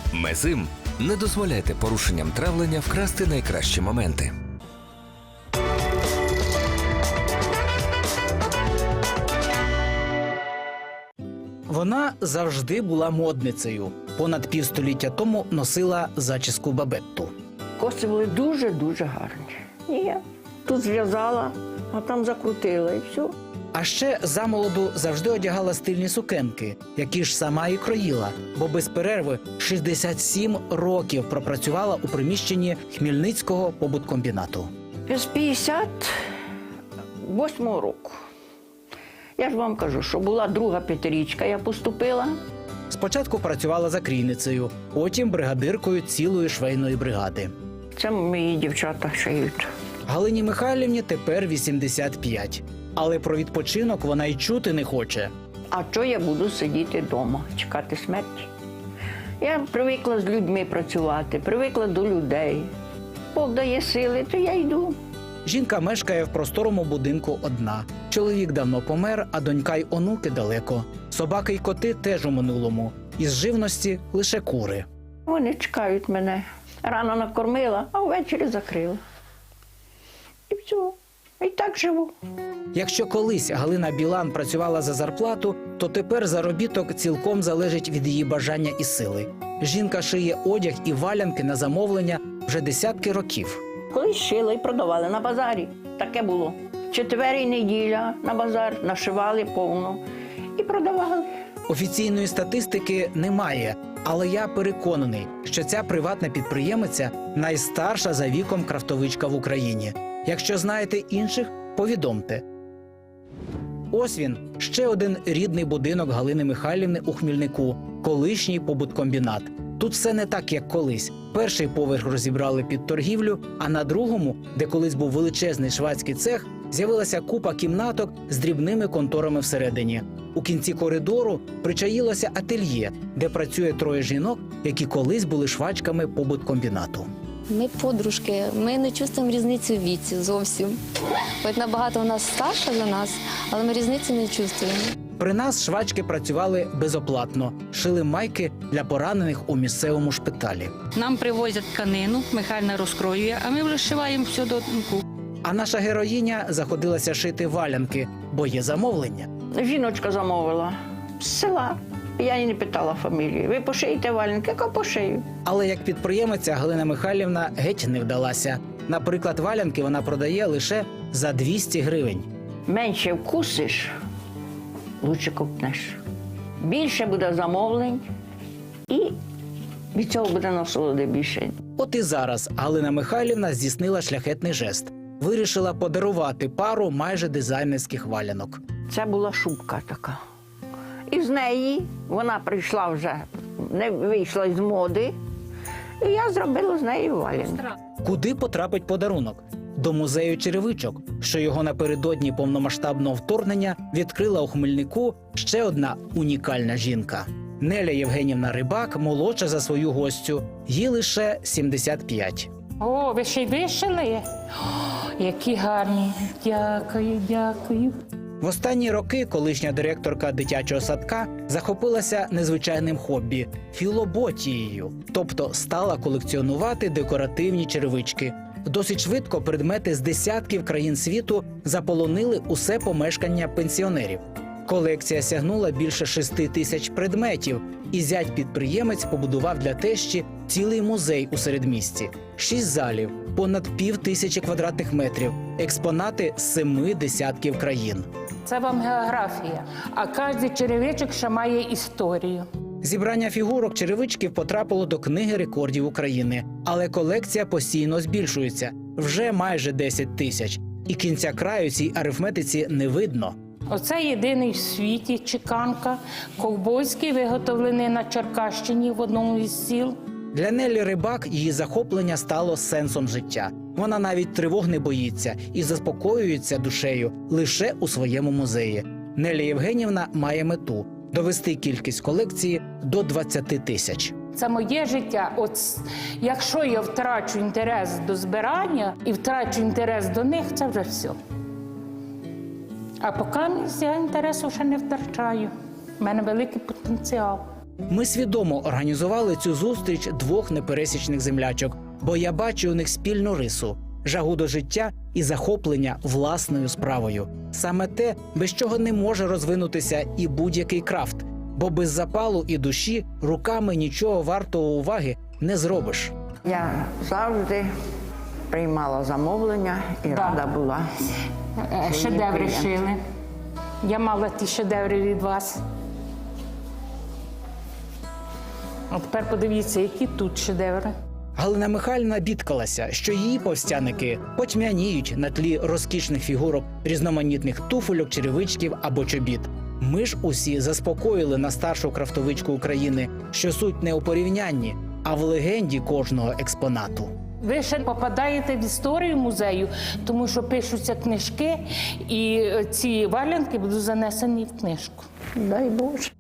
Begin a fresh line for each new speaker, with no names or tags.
Мезим. Не дозволяйте порушенням травлення вкрасти найкращі моменти.
Вона завжди була модницею. Понад півстоліття тому носила зачіску бабетту.
Коси були дуже-дуже гарні. І я тут зв'язала, а там закрутила і все.
А ще замолоду завжди одягала стильні сукенки, які ж сама і кроїла, бо без перерви 67 років пропрацювала у приміщенні Хмельницького побуткомбінату.
З 58-го року. Я ж вам кажу, що була друга п'ятирічка, я поступила.
Спочатку працювала закрійницею, потім бригадиркою цілої швейної бригади.
Це мої дівчата шиють.
Галині Михайлівні тепер 85. Але про відпочинок вона й чути не хоче.
А що я буду сидіти вдома, чекати смерті? Я привикла з людьми працювати, привикла до людей. Бог дає сили, то я йду.
Жінка мешкає в просторому будинку одна. Чоловік давно помер, а донька й онуки далеко. Собаки й коти теж у минулому. Із живності лише кури.
Вони чекають мене. Рано накормила, а ввечері закрила. І все. І так живу.
Якщо колись Галина Білан працювала за зарплату, то тепер заробіток цілком залежить від її бажання і сили. Жінка шиє одяг і валянки на замовлення вже десятки років.
Колись шили і продавали на базарі. Таке було. Четвер і неділя на базар нашивали повно і продавали.
Офіційної статистики немає, але я переконаний, що ця приватна підприємиця найстарша за віком крафтовичка в Україні. Якщо знаєте інших, повідомте. Ось він, ще один рідний будинок Галини Михайлівни у Хмільнику – колишній побуткомбінат. Тут все не так, як колись. Перший поверх розібрали під торгівлю, а на другому, де колись був величезний швадський цех, з'явилася купа кімнаток з дрібними конторами всередині. У кінці коридору причаїлося ательє, де працює троє жінок, які колись були швачками побуткомбінату.
Ми подружки, ми не чувствуємо різниці в віці зовсім. Хоч набагато вона старша за нас, але ми різниці не чувствуємо.
При нас швачки працювали безоплатно, шили майки для поранених у місцевому шпиталі.
Нам привозять тканину, Михайлівна розкроює, а ми вишиваємо все до тонку.
А наша героїня заходилася шити валянки, бо є замовлення.
Жіночка замовила з села. Я її не питала фамілії. Ви пошиєте валянки? Яка пошию?
Але як підприємиця Галина Михайлівна геть не вдалася. Наприклад, валянки вона продає лише за 200 гривень.
Менше вкусиш, лучше купнеш. Більше буде замовлень і від цього буде насолоди більше.
От і зараз Галина Михайлівна здійснила шляхетний жест. Вирішила подарувати пару майже дизайнерських валянок.
Це була шубка така. І з неї вона прийшла вже, не вийшла з моди, і я зробила з неї валянки.
Куди потрапить подарунок? До музею черевичок, що його напередодні повномасштабного вторгнення відкрила у Хмельнику ще одна унікальна жінка. Неля Євгенівна Рибак молодша за свою гостю, їй лише 75.
О, ви ще й вишили? О, які гарні. Дякую, дякую.
В останні роки колишня директорка дитячого садка захопилася незвичайним хобі – філоботією, тобто стала колекціонувати декоративні черевички. Досить швидко предмети з десятків країн світу заполонили усе помешкання пенсіонерів. Колекція сягнула більше 6 тисяч предметів, і зять-підприємець побудував для тещі цілий музей у середмісті. 6 залів, понад 5000 квадратних метрів, експонати з 7 десятків країн.
Це вам географія, а кожен черевичок ще має історію.
Зібрання фігурок черевичків потрапило до Книги рекордів України. Але колекція постійно збільшується – вже майже 10 тисяч. І кінця краю цій арифметиці не видно.
Оце єдиний в світі чеканка, ковбойський, виготовлений на Черкащині в одному із сіл.
Для Нелі Рибак її захоплення стало сенсом життя. Вона навіть тривог не боїться і заспокоюється душею лише у своєму музеї. Неля Євгенівна має мету – довести кількість колекції до 20 тисяч.
Це моє життя. От якщо я втрачу інтерес до збирання і втрачу інтерес до них, це вже все. А поки я інтересу ще не втрачаю. У мене великий потенціал.
Ми свідомо організували цю зустріч двох непересічних землячок, бо я бачу у них спільну рису – жагу до життя і захоплення власною справою. Саме те, без чого не може розвинутися і будь-який крафт, бо без запалу і душі руками нічого вартого уваги не зробиш.
Я завжди приймала замовлення і рада була.
Шедеври
клієнт.
шили. Я мала ті шедеври від вас. А тепер подивіться, які тут шедеври.
Галина Михайлівна бідкалася, що її повстяники потьмяніють на тлі розкішних фігурок, різноманітних туфельок, черевичків або чобіт. Ми ж усі заспокоїли на старшу крафтовичку України, що суть не у порівнянні, а в легенді кожного експонату.
Ви ще попадаєте в історію музею, тому що пишуться книжки, і ці валянки будуть занесені в книжку.
Дай Боже.